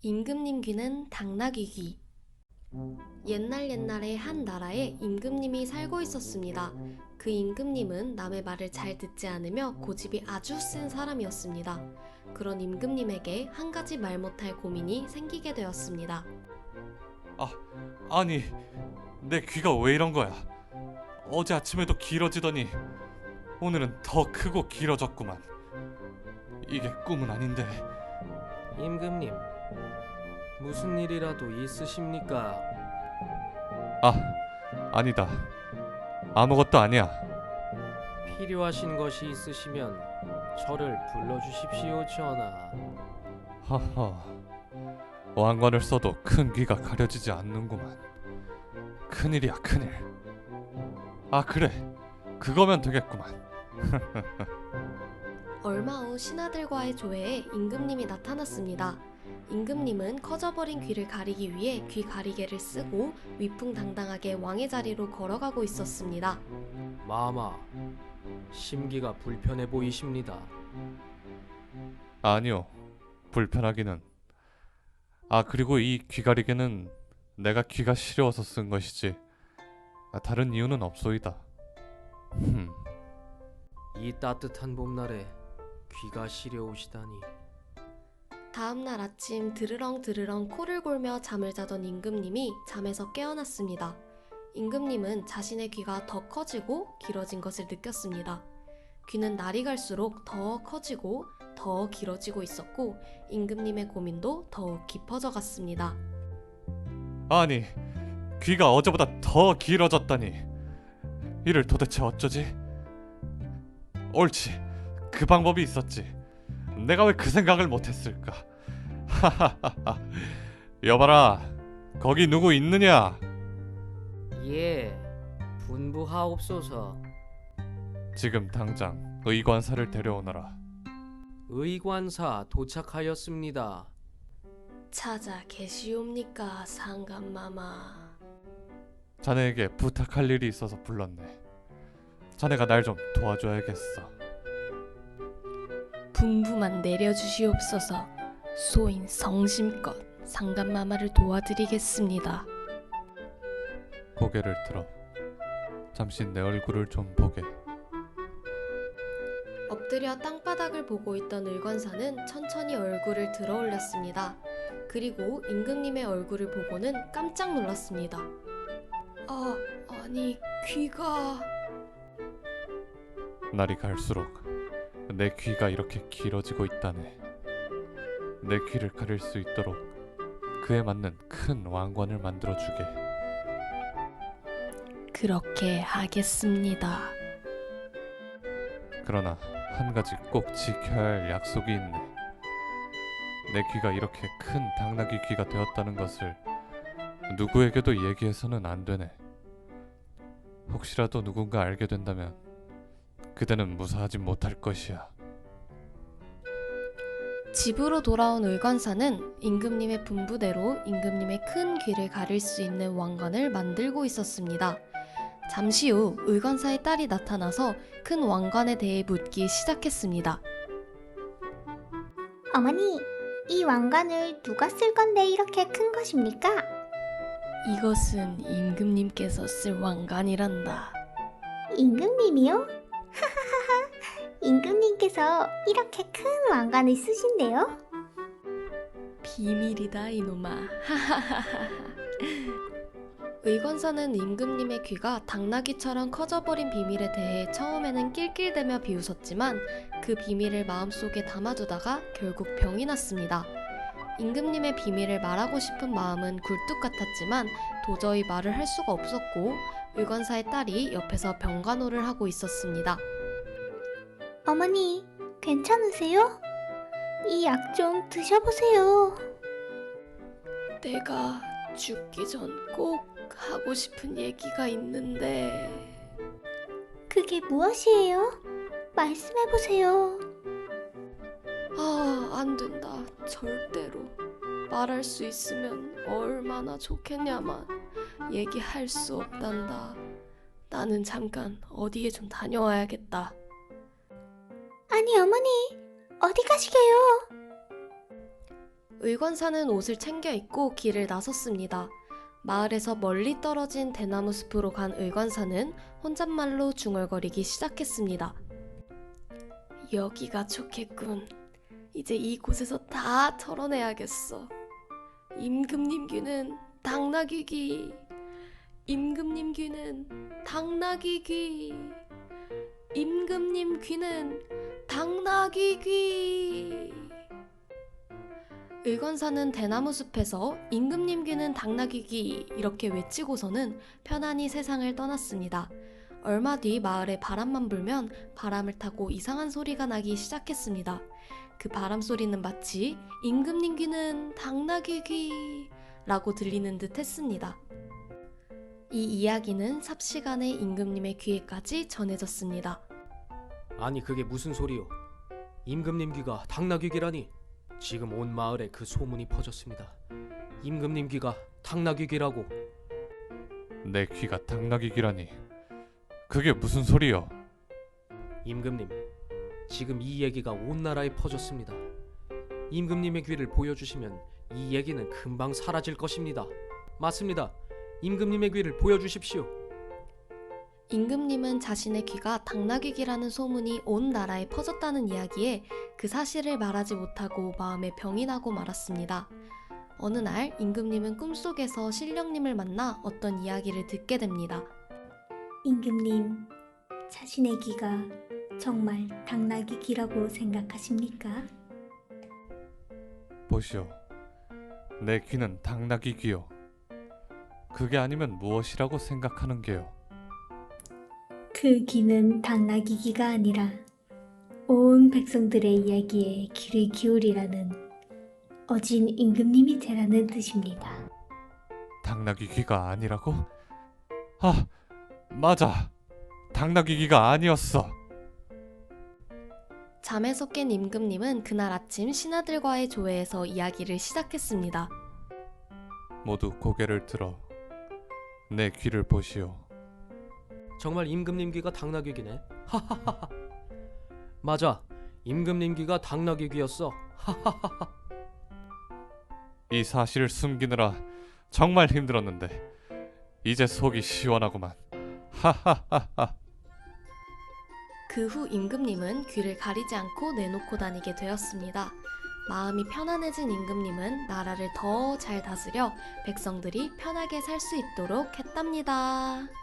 임금님 귀는 당나귀 귀. 옛날에 한 나라에 임금님이 살고 있었습니다. 그 임금님은 남의 말을 잘 듣지 않으며 고집이 아주 센 사람이었습니다. 그런 임금님에게 한 가지 말 못할 고민이 생기게 되었습니다. 아니, 내 귀가 왜 이런 거야? 어제 아침에도 길어지더니 오늘은 더 크고 길어졌구만. 이게 꿈은 아닌데. 임금님, 무슨 일이라도 있으십니까? 아니다. 아무것도 아니야. 필요하신 것이 있으시면 저를 불러주십시오, 전하. 하하. 왕관을 써도 큰 귀가 가려지지 않는구만. 큰일이야, 큰일. 그래. 그거면 되겠구만. 얼마 후 신하들과의 조회에 임금님이 나타났습니다. 임금님은 커져버린 귀를 가리기 위해 귀 가리개를 쓰고 위풍당당하게 왕의 자리로 걸어가고 있었습니다. 마마, 심기가 불편해 보이십니다. 아니요. 불편하기는. 그리고 이 귀가리개는 내가 귀가 시려워서 쓴 것이지 다른 이유는 없소이다. 이 따뜻한 봄날에 귀가 시려우시다니. 다음날 아침 드르렁 코를 골며 잠을 자던 임금님이 잠에서 깨어났습니다. 임금님은 자신의 귀가 더 커지고 길어진 것을 느꼈습니다. 귀는 날이 갈수록 더 커지고 더 길어지고 있었고 임금님의 고민도 더욱 깊어져 갔습니다. 아니, 귀가 어제보다 더 길어졌다니. 이를 도대체 어쩌지? 옳지, 그 방법이 있었지. 내가 왜 그 생각을 못했을까? 하하하하. 여봐라, 거기 누구 있느냐? 예, 분부하옵소서. 지금 당장 의관사를 데려오너라. 의관사 도착하였습니다. 찾아 계시옵니까, 상감마마? 자네에게 부탁할 일이 있어서 불렀네. 자네가 날 좀 도와줘야겠어. 분부만 내려주시옵소서. 소인 성심껏 상감마마를 도와드리겠습니다. 고개를 들어. 잠시 내 얼굴을 좀 보게. 엎드려 땅바닥을 보고 있던 의관사는 천천히 얼굴을 들어 올렸습니다. 그리고 임금님의 얼굴을 보고는 깜짝 놀랐습니다. 아니 귀가... 날이 갈수록 내 귀가 이렇게 길어지고 있다네. 내 귀를 가릴 수 있도록 그에 맞는 큰 왕관을 만들어주게. 그렇게 하겠습니다. 그러나 한 가지 꼭 지켜야 할 약속이 있네. 내 귀가 이렇게 큰 당나귀 귀가 되었다는 것을 누구에게도 얘기해서는 안 되네. 혹시라도 누군가 알게 된다면 그대는 무사하지 못할 것이야. 집으로 돌아온 의관사는 임금님의 분부대로 임금님의 큰 귀를 가릴 수 있는 왕관을 만들고 있었습니다. 잠시 후 의관사의 딸이 나타나서 큰 왕관에 대해 묻기 시작했습니다. 어머니, 이 왕관을 누가 쓸 건데 이렇게 큰 것입니까? 이것은 임금님께서 쓸 왕관이란다. 임금님이요? 하하하하, 임금님께서 이렇게 큰 왕관을 쓰신대요? 비밀이다 이놈아. 의관사는 임금님의 귀가 당나귀처럼 커져버린 비밀에 대해 처음에는 낄낄대며 비웃었지만 그 비밀을 마음속에 담아두다가 결국 병이 났습니다. 임금님의 비밀을 말하고 싶은 마음은 굴뚝 같았지만 도저히 말을 할 수가 없었고 의관사의 딸이 옆에서 병간호를 하고 있었습니다. 어머니, 괜찮으세요? 이 약 좀 드셔보세요. 내가 죽기 전 꼭 하고 싶은 얘기가 있는데... 그게 무엇이에요? 말씀해보세요. 안 된다. 절대로. 말할 수 있으면 얼마나 좋겠냐만 얘기할 수 없단다. 나는 잠깐 어디에 좀 다녀와야겠다. 아니 어머니, 어디 가시게요? 의관사는 옷을 챙겨 입고 길을 나섰습니다. 마을에서 멀리 떨어진 대나무 숲으로 간 의관사는 혼잣말로 중얼거리기 시작했습니다. 여기가 좋겠군. 이제 이곳에서 다 털어내야겠어. 임금님 귀는 당나귀 귀. 임금님 귀는 당나귀 귀. 임금님 귀는 당나귀 귀. 의관사는 대나무 숲에서 임금님 귀는 당나귀 귀 이렇게 외치고서는 편안히 세상을 떠났습니다. 얼마 뒤 마을에 바람만 불면 바람을 타고 이상한 소리가 나기 시작했습니다. 그 바람 소리는 마치 임금님 귀는 당나귀 귀 라고 들리는 듯 했습니다. 이 이야기는 삽시간에 임금님의 귀에까지 전해졌습니다. 아니 그게 무슨 소리요? 임금님 귀가 당나귀 귀라니. 지금 온 마을에 그 소문이 퍼졌습니다. 임금님 귀가 당나귀 귀라고. 내 귀가 당나귀 귀라니. 그게 무슨 소리여? 임금님, 지금 이 얘기가 온 나라에 퍼졌습니다. 임금님의 귀를 보여주시면 이 얘기는 금방 사라질 것입니다. 맞습니다. 임금님의 귀를 보여주십시오. 임금님은 자신의 귀가 당나귀 귀라는 소문이 온 나라에 퍼졌다는 이야기에 그 사실을 말하지 못하고 마음에 병이 나고 말았습니다. 어느 날 임금님은 꿈속에서 신령님을 만나 어떤 이야기를 듣게 됩니다. 임금님, 자신의 귀가 정말 당나귀 귀라고 생각하십니까? 보시오. 내 귀는 당나귀 귀요. 그게 아니면 무엇이라고 생각하는 게요? 그 귀는 당나귀 귀가 아니라 온 백성들의 이야기에 귀를 기울이라는 어진 임금님이 되라는 뜻입니다. 당나귀 귀가 아니라고? 아, 맞아. 당나귀 귀가 아니었어. 잠에서 깬 임금님은 그날 아침 신하들과의 조회에서 이야기를 시작했습니다. 모두 고개를 들어 내 귀를 보시오. 정말 임금님 귀가 당나귀 귀네. 하하하하. 맞아. 임금님 귀가 당나귀 귀였어. 이 사실을 숨기느라 정말 힘들었는데 이제 속이 시원하구만. 하하하하. 그 후 임금님은 귀를 가리지 않고 내놓고 다니게 되었습니다. 마음이 편안해진 임금님은 나라를 더 잘 다스려 백성들이 편하게 살 수 있도록 했답니다.